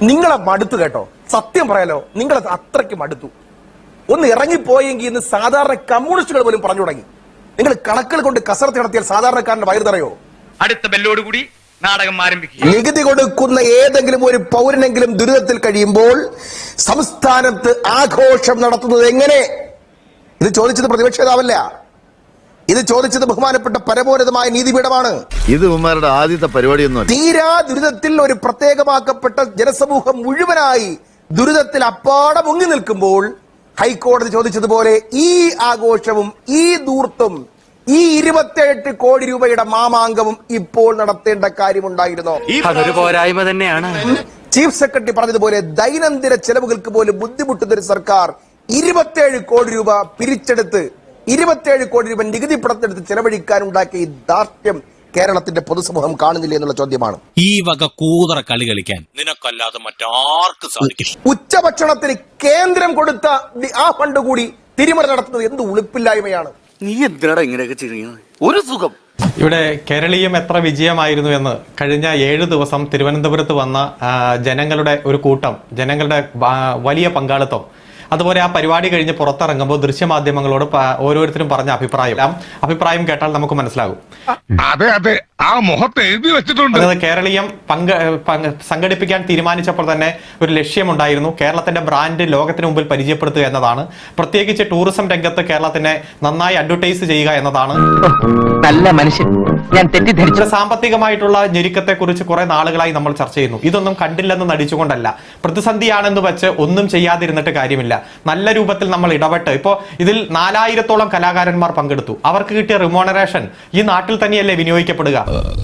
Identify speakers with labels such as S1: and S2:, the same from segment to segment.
S1: നിങ്ങളെ മടുത്തു കേട്ടോ, സത്യം പറയാലോ, നിങ്ങളെ അത്രയ്ക്ക് മടുത്തു. ഒന്ന് ഇറങ്ങിപ്പോയെങ്കിൽ ഇന്ന് സാധാരണ കമ്മ്യൂണിസ്റ്റുകൾ പോലും പറഞ്ഞു തുടങ്ങി. നിങ്ങൾ കണക്കുകൾ കൊണ്ട് കസരത്ത് നടത്തിയാൽ സാധാരണക്കാരന്റെ വയറ് തറയോ?
S2: അടുത്ത ബെല്ലോടുകൂടി നാടകം ആരംഭിക്കും.
S1: നികുതി കൊടുക്കുന്ന ഏതെങ്കിലും ഒരു പൗരനെങ്കിലും ദുരിതത്തിൽ കഴിയുമ്പോൾ സംസ്ഥാനത്ത് ആഘോഷം നടത്തുന്നത് എങ്ങനെ? ഇത് ചോദിച്ചത് പ്രതിപക്ഷ നേതാവല്ല, ഇത് ചോദിച്ചത് ബഹുമാനപ്പെട്ട പരമോന്നതമായ നീതിപീഠമാണ്.
S3: ഇത് ഉമ്മാരുടെ ആദ്യത്തെ പരിപാടിയൊന്നും.
S1: തീരാ ദുരിതത്തിൽ ഒരു പ്രത്യേകമാക്കപ്പെട്ട ജനസമൂഹം മുഴുവനായി ദുരിതത്തിൽ അപ്പാടെ മുങ്ങി നിൽക്കുമ്പോൾ ഹൈക്കോടതി ചോദിച്ചതുപോലെ ഈ ആഘോഷവും ഈ ധൂർത്തും ഈ 28 കോടി രൂപയുടെ മാമാങ്കവും ഇപ്പോൾ നടത്തേണ്ട കാര്യമുണ്ടായിരുന്നോ?
S2: അതൊരു പോരായ്മ തന്നെയാണ്.
S1: ചീഫ് സെക്രട്ടറി പറഞ്ഞതുപോലെ ദൈനംദിന ചെലവുകൾക്ക് പോലും ബുദ്ധിമുട്ടുന്ന ഒരു സർക്കാർ 27 കോടി രൂപ പിരിച്ചെടുത്ത് 27 കോടി രൂപ നികുതി പണത്തെടുത്ത് ചെലവഴിക്കാനുണ്ടാക്കിയ ഈ ധാർഷ്ട്യം കേരളത്തിന്റെ പൊതുസമൂഹം കാണുന്നില്ല എന്നുള്ള ചോദ്യമാണ്.
S4: ഈ വക കൂതറ കളി കളിക്കാൻ നിനക്കല്ലാതെ മറ്റാർക്കും സാധിക്കും.
S1: ഉച്ചഭക്ഷണത്തിന് കേന്ദ്രം കൊടുത്ത ആ ഫണ്ട് കൂടി തിരിമറി നടത്തുന്നത് എന്ത് ഉളുപ്പില്ലായ്മയാണ്.
S2: നീ എന്തിനാടാ ഇങ്ങനെയൊക്കെ ചെയ്യുന്നത്? ഒരു സുഖം.
S5: ഇവിടെ കേരളീയം എത്ര വിജയമായിരുന്നു എന്ന് കഴിഞ്ഞ 7 ദിവസം തിരുവനന്തപുരത്ത് വന്ന ജനങ്ങളുടെ ഒരു കൂട്ടം, ജനങ്ങളുടെ വലിയ പങ്കാളിത്തം, അതുപോലെ ആ പരിപാടി കഴിഞ്ഞ് പുറത്തിറങ്ങുമ്പോൾ ദൃശ്യമാധ്യമങ്ങളോട് ഓരോരുത്തരും പറഞ്ഞ അഭിപ്രായം കേട്ടാൽ നമുക്ക് മനസ്സിലാകും.
S6: അതെ അതെ, ആ മുഖത്ത് എഴുതി വെച്ചിട്ടുണ്ട്.
S5: കേരളീയം സംഘടിപ്പിക്കാൻ തീരുമാനിച്ചപ്പോൾ തന്നെ ഒരു ലക്ഷ്യമുണ്ടായിരുന്നു, കേരളത്തിന്റെ ബ്രാൻഡ് ലോകത്തിന് മുമ്പിൽ പരിചയപ്പെടുത്തുക എന്നതാണ്. പ്രത്യേകിച്ച് ടൂറിസം രംഗത്ത് കേരളത്തിനെ നന്നായി അഡ്വർടൈസ് ചെയ്യുക എന്നതാണ്.
S2: നല്ല മനുഷ്യൻ, ഞാൻ തെറ്റിദ്ധരിച്ചു.
S5: സാമ്പത്തികമായിട്ടുള്ള ഞെരുക്കത്തെ കുറിച്ച് കുറെ നാളുകളായി നമ്മൾ ചർച്ച ചെയ്യുന്നു. ഇതൊന്നും കണ്ടില്ലെന്ന് നടിച്ചുകൊണ്ടല്ല, പ്രതിസന്ധിയാണെന്ന് വെച്ച് ഒന്നും ചെയ്യാതിരുന്നിട്ട് കാര്യമില്ല. നല്ല രൂപത്തിൽ നമ്മൾ ഇടപെട്ട് ഇപ്പോ ഇതിൽ 4000-ഓളം കലാകാരന്മാർ പങ്കെടുത്തു. അവർക്ക് കിട്ടിയ റിമോണറേഷൻ ഈ നാട്ടിൽ തന്നെയല്ലേ വിനിയോഗിക്കപ്പെടുക?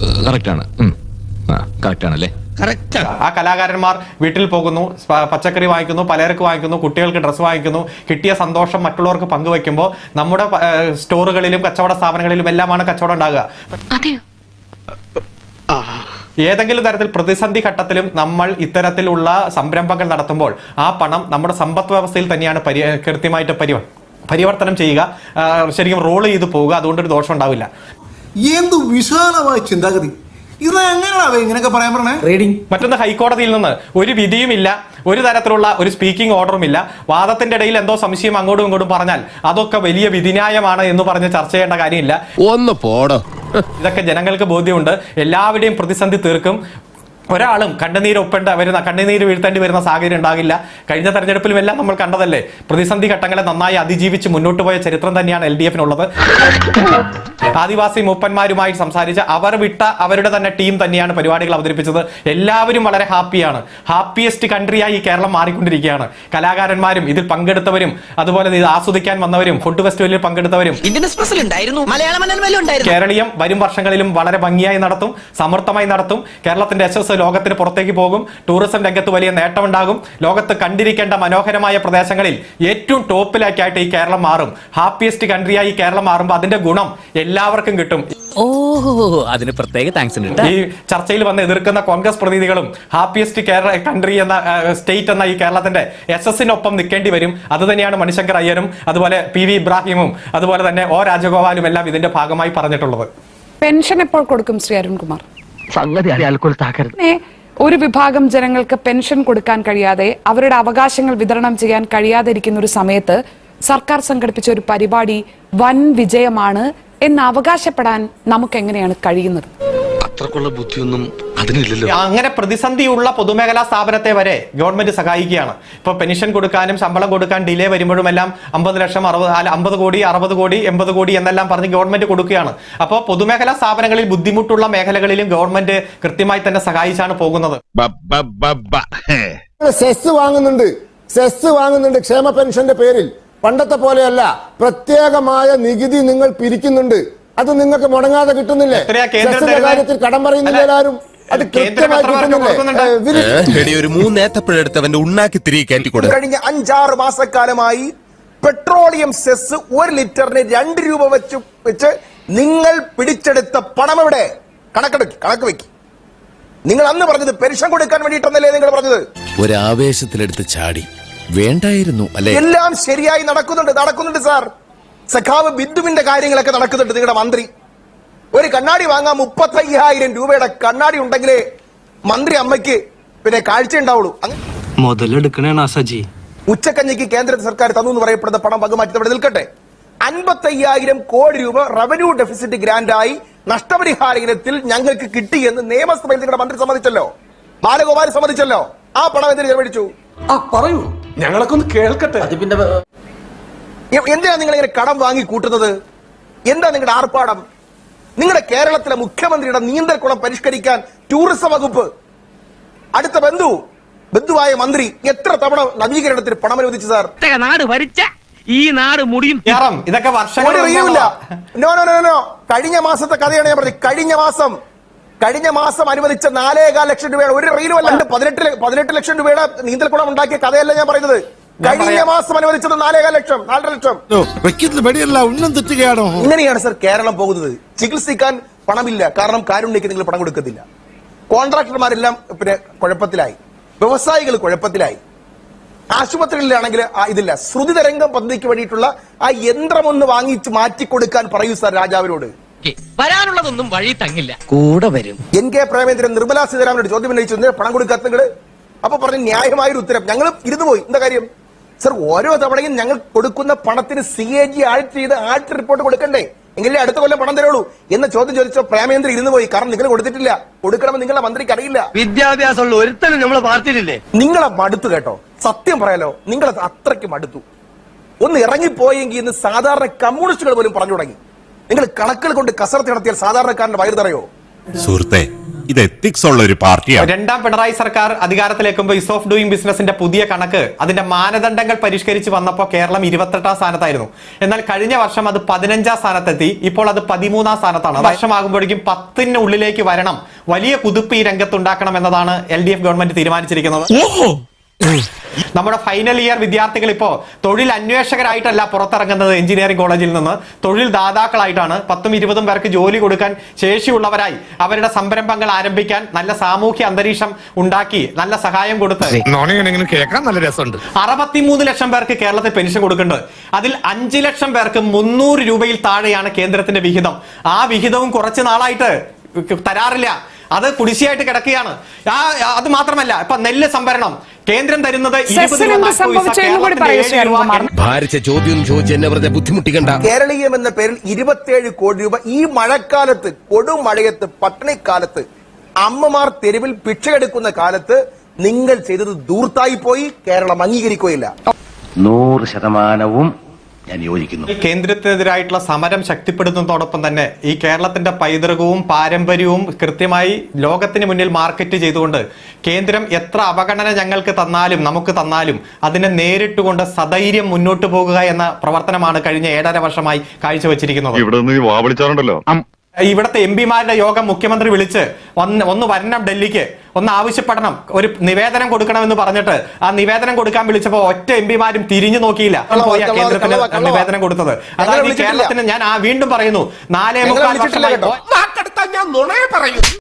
S5: ആ കലാകാരന്മാർ വീട്ടിൽ പോകുന്നു, പച്ചക്കറി വാങ്ങിക്കുന്നു, പലചരക്ക് വാങ്ങിക്കുന്നു, കുട്ടികൾക്ക് ഡ്രസ്സ് വാങ്ങിക്കുന്നു. കിട്ടിയ സന്തോഷം മറ്റുള്ളവർക്ക് പങ്കുവെക്കുമ്പോൾ നമ്മുടെ സ്റ്റോറുകളിലും കച്ചവട സ്ഥാപനങ്ങളിലും എല്ലാമാണ് കച്ചവടം ഉണ്ടാകുക. ഏതെങ്കിലും തരത്തിൽ പ്രതിസന്ധി ഘട്ടത്തിലും നമ്മൾ ഇത്തരത്തിലുള്ള സംരംഭങ്ങൾ നടത്തുമ്പോൾ ആ പണം നമ്മുടെ സമ്പദ് വ്യവസ്ഥയിൽ തന്നെയാണ് കൃത്യമായിട്ട് പരിവർത്തനം ചെയ്യുക, ശരിക്കും റോൾ ചെയ്ത് പോവുക. അതുകൊണ്ടൊരു ദോഷം ഉണ്ടാവില്ല.
S7: എന്ത് വിശാലമായ ചിന്താഗതി!
S5: മറ്റൊന്ന്, ഹൈക്കോടതിയിൽ നിന്ന് ഒരു വിധിയുമില്ല, ഒരു തരത്തിലുള്ള ഒരു സ്പീക്കിംഗ് ഓർഡറും ഇല്ല. വാദത്തിന്റെ ഇടയിൽ എന്തോ സംശയം അങ്ങോട്ടും ഇങ്ങോട്ടും പറഞ്ഞാൽ അതൊക്കെ വലിയ വിധിന്യായമാണ് എന്ന് പറഞ്ഞ് ചർച്ച ചെയ്യേണ്ട കാര്യമില്ല.
S3: ഒന്ന് പോടോ.
S5: ഇതൊക്കെ ജനങ്ങൾക്ക് ബോധ്യമുണ്ട്. എല്ലാവരുടെയും പ്രതിസന്ധി തീർക്കും. ഒരാളും കണ്ണുനീര് വീഴ്ത്തേണ്ടി വരുന്ന സാഹചര്യം ഉണ്ടാകില്ല. കഴിഞ്ഞ തെരഞ്ഞെടുപ്പിലും എല്ലാം നമ്മൾ കണ്ടതല്ലേ, പ്രതിസന്ധി ഘട്ടങ്ങളെ നന്നായി അതിജീവിച്ച് മുന്നോട്ട് പോയ ചരിത്രം തന്നെയാണ് LDF-നുള്ളത്. ആദിവാസി മൂപ്പന്മാരുമായി സംസാരിച്ച് അവർ വിട്ട അവരുടെ തന്നെ ടീം തന്നെയാണ് പരിപാടികൾ അവതരിപ്പിച്ചത്. എല്ലാവരും വളരെ ഹാപ്പിയാണ്. ഹാപ്പിയസ്റ്റ് കൺട്രിയായി ഈ കേരളം മാറിക്കൊണ്ടിരിക്കുകയാണ്. കലാകാരന്മാരും ഇതിൽ പങ്കെടുത്തവരും അതുപോലെ ഇത് ആസ്വദിക്കാൻ വന്നവരും ഫുഡ് ഫെസ്റ്റിവലിൽ പങ്കെടുത്തവരും കേരളീയം വരും വർഷങ്ങളിലും വളരെ ഭംഗിയായി നടത്തും, സമർത്ഥമായി നടത്തും. കേരളത്തിന്റെ യശസ് ലോകത്തിന് പുറത്തേക്ക് പോകും. ടൂറിസം രംഗത്ത് വലിയ നേട്ടമുണ്ടാകും. ലോകത്ത് കണ്ടിരിക്കേണ്ട മനോഹരമായ പ്രദേശങ്ങളിൽ ഏറ്റവും ടോപ്പിലേക്കായിട്ട് ഈ കേരളം മാറും. ഹാപ്പിയസ്റ്റ് കൺട്രിയായി ഈ കേരളം മാറുമ്പോൾ അതിന്റെ ഗുണം എല്ലാവർക്കും കിട്ടും.
S4: അതിന് പ്രത്യേക താങ്ക്സ്.
S5: ഈ ചർച്ചയിൽ വന്ന് എതിർക്കുന്ന കോൺഗ്രസ് പ്രതിനിധികളും ഹാപ്പിയസ്റ്റ് കൺട്രി എന്ന സ്റ്റേറ്റ് എന്ന ഈ കേരളത്തിന്റെ യശസ്സിനൊപ്പം നിൽക്കേണ്ടി വരും. അത് തന്നെയാണ് മണിശങ്കർ അയ്യരും അതുപോലെ PV ഇബ്രാഹിമും അതുപോലെ തന്നെ O രാജഗോപാലും എല്ലാം ഇതിന്റെ ഭാഗമായി പറഞ്ഞിട്ടുള്ളത്.
S8: പെൻഷൻ എപ്പോൾ കൊടുക്കും ശ്രീ അരുൺകുമാർ?
S2: സംഗതി
S8: ഒരു വിഭാഗം ജനങ്ങൾക്ക് പെൻഷൻ കൊടുക്കാൻ കഴിയാതെ അവരുടെ അവകാശങ്ങൾ വിതരണം ചെയ്യാൻ കഴിയാതെ ഇരിക്കുന്ന ഒരു സമയത്ത് സർക്കാർ സംഘടിപ്പിച്ച ഒരു പരിപാടി വൻ വിജയമാണ് എന്ന് അവകാശപ്പെടാൻ നമുക്ക് എങ്ങനെയാണ് കഴിയുന്നത്?
S6: അത്രക്കുള്ള ബുദ്ധിയൊന്നും അതിനില്ലല്ലോ.
S5: അങ്ങനെ പ്രതിസന്ധിയുള്ള പൊതുമേഖലാ സ്ഥാപനത്തെ വരെ ഗവൺമെന്റ് സഹായിക്കുകയാണ്. ഇപ്പൊ പെൻഷൻ കൊടുക്കാനും ശമ്പളം കൊടുക്കാൻ ഡിലേ വരുമ്പോഴും എല്ലാം 50 ലക്ഷം 50 കോടി 60 കോടി 80 കോടി എന്നെല്ലാം പറഞ്ഞ് ഗവൺമെന്റ് കൊടുക്കുകയാണ്. അപ്പോൾ പൊതുമേഖലാ സ്ഥാപനങ്ങളിൽ ബുദ്ധിമുട്ടുള്ള മേഖലകളിലും ഗവൺമെന്റ് കൃത്യമായി തന്നെ സഹായിച്ചാണ് പോകുന്നത്.
S7: സെസ് വാങ്ങുന്നുണ്ട് ക്ഷേമ പെൻഷന്റെ പേരിൽ. പണ്ടത്തെ പോലെയല്ല, പ്രത്യേകമായ നികുതി നിങ്ങൾ പിരിക്കുന്നുണ്ട്. അത് നിങ്ങൾക്ക് മുടങ്ങാതെ കിട്ടുന്നില്ലേ? കാര്യത്തിൽ കടം പറയുന്നില്ല എല്ലാവരും. അത് കൃത്യമായി കഴിഞ്ഞ 5-6 മാസക്കാലമായി പെട്രോളിയം സെസ് 1 ലിറ്ററിന് 2 രൂപ വെച്ച് നിങ്ങൾ പിടിച്ചെടുത്ത പണം എവിടെ? കണക്ക് വെക്കി. നിങ്ങൾ അന്ന് പറഞ്ഞത് പെൻഷൻ കൊടുക്കാൻ വേണ്ടിയിട്ടൊന്നല്ലേ നിങ്ങൾ പറഞ്ഞത്?
S3: ഒരാവേശത്തിലെടുത്ത് ചാടി വേണ്ടായിരുന്നു അല്ലേ?
S1: എല്ലാം ശരിയായി നടക്കുന്നുണ്ട് സാർ. സഖാവ് ബിന്ദുവിന്റെ കാര്യങ്ങളൊക്കെ നടക്കുന്നുണ്ട്. നിങ്ങളുടെ മന്ത്രി ഒരു കണ്ണാടി വാങ്ങാൻ 35,000 രൂപയുടെ കണ്ണാടി ഉണ്ടെങ്കിലേ മന്ത്രി അമ്മയ്ക്ക്
S7: പിന്നെ കാഴ്ച ഉണ്ടാവുള്ളൂ.
S2: മുതലെടുക്കണേണ സജി.
S7: ഉച്ചക്കഞ്ഞിക്ക് കേന്ദ്ര സർക്കാർ തന്നു എന്ന് പറയപ്പെടുന്ന പണം വകമാറ്റി അവിടെ നിൽക്കട്ടെ. 55,000 കോടി രൂപ റവന്യൂ ഡെഫിസിറ്റ് ഗ്രാന്റായി നഷ്ടപരിഹാര ഇനത്തിൽ ഞങ്ങൾക്ക് കിട്ടിയെന്ന് നിയമസഭയിൽ നിങ്ങളുടെ മന്ത്രി സമ്മതിച്ചല്ലോ, ബാലഗോപാൽ സമ്മതിച്ചല്ലോ. ആ പണം എന്തിനു ചെലവഴിച്ചു?
S5: പറയൂ, ഞങ്ങളൊക്കെ ഒന്ന് കേൾക്കട്ടെ.
S7: എന്തിനാ നിങ്ങൾ ഇങ്ങനെ കടം വാങ്ങി കൂട്ടുന്നത്? എന്താ നിങ്ങളുടെ ആർപ്പാടം? നിങ്ങളുടെ കേരളത്തിലെ മുഖ്യമന്ത്രിയുടെ നീന്തൽക്കുളം പരിഷ്കരിക്കാൻ ടൂറിസം വകുപ്പ്, അടുത്ത ബന്ധുവായ മന്ത്രി എത്ര തവണ നവീകരണത്തിന് പണം അനുവദിച്ചു സാർ?
S2: നാട് ഭരിച്ച ഈ നാട് മുടിയും
S5: ഇതൊക്കെ വർഷങ്ങൾ
S7: നോ. കഴിഞ്ഞ മാസത്തെ കഥയാണ് ഞാൻ പറഞ്ഞത്. കഴിഞ്ഞ മാസം അനുവദിച്ച 4.25 ലക്ഷം രൂപയുടെ ഒരു റീലും അല്ല, 18 ലക്ഷം രൂപയുടെ നീന്തൽക്കുളം ഉണ്ടാക്കിയ കഥയല്ല ഞാൻ പറയുന്നത്. കഴിഞ്ഞ മാസം അനുവദിച്ചത് 4.25 ലക്ഷം, 4.5 ലക്ഷം. ഇങ്ങനെയാണ് സർ കേരളം പോകുന്നത്. ചികിത്സിക്കാൻ പണമില്ല, കാരണം കാരുണ്യക്ക് നിങ്ങൾ പണം കൊടുക്കത്തില്ല. കോൺട്രാക്ടർമാരെല്ലാം പിന്നെ കുഴപ്പത്തിലായി, വ്യവസായികൾ കുഴപ്പത്തിലായി, ആശുപത്രികളിലാണെങ്കിൽ ഇതില്ല. ശ്രുതി തരംഗം പദ്ധതിക്ക് വേണ്ടിയിട്ടുള്ള ആ യന്ത്രം ഒന്ന് വാങ്ങിച്ച് മാറ്റിക്കൊടുക്കാൻ പറയൂ സാർ രാജാവിനോട്.
S2: വരാനുള്ളതൊന്നും വഴി തങ്ങില്ല, കൂടെ വരും.
S7: NK പ്രേമേന്ദ്രൻ നിർമ്മലാ സീതാരാമനോട് ചോദ്യം ഉന്നയിച്ചു, പണം കൊടുക്കാത്ത നിങ്ങള്. അപ്പൊ പറഞ്ഞു ന്യായമായൊരു ഉത്തരം. ഞങ്ങൾ ഇരുന്നു പോയി. എന്താ കാര്യം സർ? ഓരോ തവണയും ഞങ്ങൾ കൊടുക്കുന്ന പണത്തിന് CAG ആഡിറ്റ് റിപ്പോർട്ട് കൊടുക്കണ്ടേ, എങ്കിലേ അടുത്ത കൊല്ലം പണം തരുള്ളൂ എന്ന ചോദ്യം ചോദിച്ചോ പ്രേമേന്ദ്രൻ ഇരുന്നു പോയി. കാരണം നിങ്ങൾ കൊടുത്തിട്ടില്ല. കൊടുക്കണമെന്ന് നിങ്ങളെ മന്ത്രിക്ക് അറിയില്ല.
S2: വിദ്യാഭ്യാസമുള്ള ഒരുത്തനും നമ്മളെ പാർട്ടിയിലില്ലേ?
S7: നിങ്ങളെ മടുത്തു കേട്ടോ, സത്യം പറയാലോ, നിങ്ങളെ അത്രയ്ക്ക് മടുത്തു. ഒന്ന് ഇറങ്ങിപ്പോയെങ്കിൽ ഇന്ന് സാധാരണ കമ്മ്യൂണിസ്റ്റുകൾ പോലും പറഞ്ഞു തുടങ്ങി. നിങ്ങൾ കണക്കുകൾ കൊണ്ട് കസർത്ത് നടത്തിയാൽ സാധാരണക്കാരന്റെ വയറ് തറയോ?
S6: സുഹൃത്തെ, ഇത് എത്തിക്സ് ഉള്ള ഒരു പാർട്ടിയാണ്.
S5: രണ്ടാം പിണറായി സർക്കാർ അധികാരത്തിലേക്കുമ്പോൾ ഈസ് ഓഫ് ഡൂയിങ് ബിസിനസിന്റെ പുതിയ കണക്ക്, അതിന്റെ മാനദണ്ഡങ്ങൾ പരിഷ്കരിച്ച് വന്നപ്പോൾ കേരളം 28ാം സ്ഥാനത്തായിരുന്നു. എന്നാൽ കഴിഞ്ഞ വർഷം അത് 15ാം സ്ഥാനത്തെത്തി. ഇപ്പോൾ അത് 13ാം സ്ഥാനത്താണ്. വർഷമാകുമ്പോഴേക്കും 10ന് ഉള്ളിലേക്ക് വരണം. വലിയ കുതിപ്പ് ഈ രംഗത്തുണ്ടാക്കണം എന്നതാണ് LDF ഗവൺമെന്റ് തീരുമാനിച്ചിരിക്കുന്നത്. നമ്മുടെ ഫൈനൽ ഇയർ വിദ്യാർത്ഥികൾ ഇപ്പോ തൊഴിൽ അന്വേഷകരായിട്ടല്ല പുറത്തിറങ്ങുന്നത് എഞ്ചിനീയറിംഗ് കോളേജിൽ നിന്ന്, തൊഴിൽ ദാതാക്കളായിട്ടാണ്. 10-20 പേർക്ക് ജോലി കൊടുക്കാൻ ശേഷിയുള്ളവരായി അവരുടെ സംരംഭങ്ങൾ ആരംഭിക്കാൻ നല്ല സാമൂഹ്യ അന്തരീക്ഷം ഉണ്ടാക്കി നല്ല സഹായം കൊടുത്ത്
S6: കേൾക്കാൻ നല്ല രസമുണ്ട്.
S5: 63 ലക്ഷം പേർക്ക് കേരളത്തിൽ പെൻഷൻ കൊടുക്കുന്നുണ്ട്. അതിൽ 5 ലക്ഷം പേർക്ക് 300 രൂപയിൽ താഴെയാണ് കേന്ദ്രത്തിന്റെ വിഹിതം. ആ വിഹിതവും കുറച്ച് നാളായിട്ട് തരാറില്ല, അത് കുടിശ്ശിയായിട്ട് കിടക്കുകയാണ്. അത് മാത്രമല്ല, ഇപ്പൊ നെല്ല് സംഭരണം കേന്ദ്രം തരുന്നത് 20 രൂപ.
S7: കേരളീയം എന്ന പേരിൽ 27 കോടി രൂപ ഈ മഴക്കാലത്ത്, കൊടുമഴയത്ത്, പട്ടിണിക്കാലത്ത്, അമ്മമാർ തെരുവിൽ ഭിക്ഷയെടുക്കുന്ന കാലത്ത് നിങ്ങൾ ചെയ്തത് ദൂർത്തായി പോയി. കേരളം അംഗീകരിക്കുകയില്ല.
S2: 100% ഞാൻ യോജിക്കുന്നു.
S5: കേന്ദ്രത്തിനെതിരായിട്ടുള്ള സമരം ശക്തിപ്പെടുത്തുന്നതോടൊപ്പം തന്നെ ഈ കേരളത്തിന്റെ പൈതൃകവും പാരമ്പര്യവും കൃത്യമായി ലോകത്തിന് മുന്നിൽ മാർക്കറ്റ് ചെയ്തുകൊണ്ട് കേന്ദ്രം എത്ര അവഗണന ഞങ്ങൾക്ക് തന്നാലും നമുക്ക് തന്നാലും അതിനെ നേരിട്ടുകൊണ്ട് സധൈര്യം മുന്നോട്ട് പോകുക എന്ന പ്രവർത്തനമാണ് കഴിഞ്ഞ 7.5 വർഷമായി കാഴ്ചവെച്ചിരിക്കുന്നത്. ഇവിടുത്തെ MP-മാരുടെ യോഗം മുഖ്യമന്ത്രി വിളിച്ച് ഒന്ന് വരണം ഡൽഹിക്ക്, ഒന്ന് ആവശ്യപ്പെടണം, ഒരു നിവേദനം കൊടുക്കണമെന്ന് പറഞ്ഞിട്ട് ആ നിവേദനം കൊടുക്കാൻ വിളിച്ചപ്പോ ഒറ്റ MP-മാരും തിരിഞ്ഞു നോക്കിയില്ല. പോയ കേന്ദ്രത്തിന് നിവേദനം കൊടുത്തത്. അതായത് കേരളത്തിന് ഞാൻ വീണ്ടും പറയുന്നു, 4.25 വർഷമായി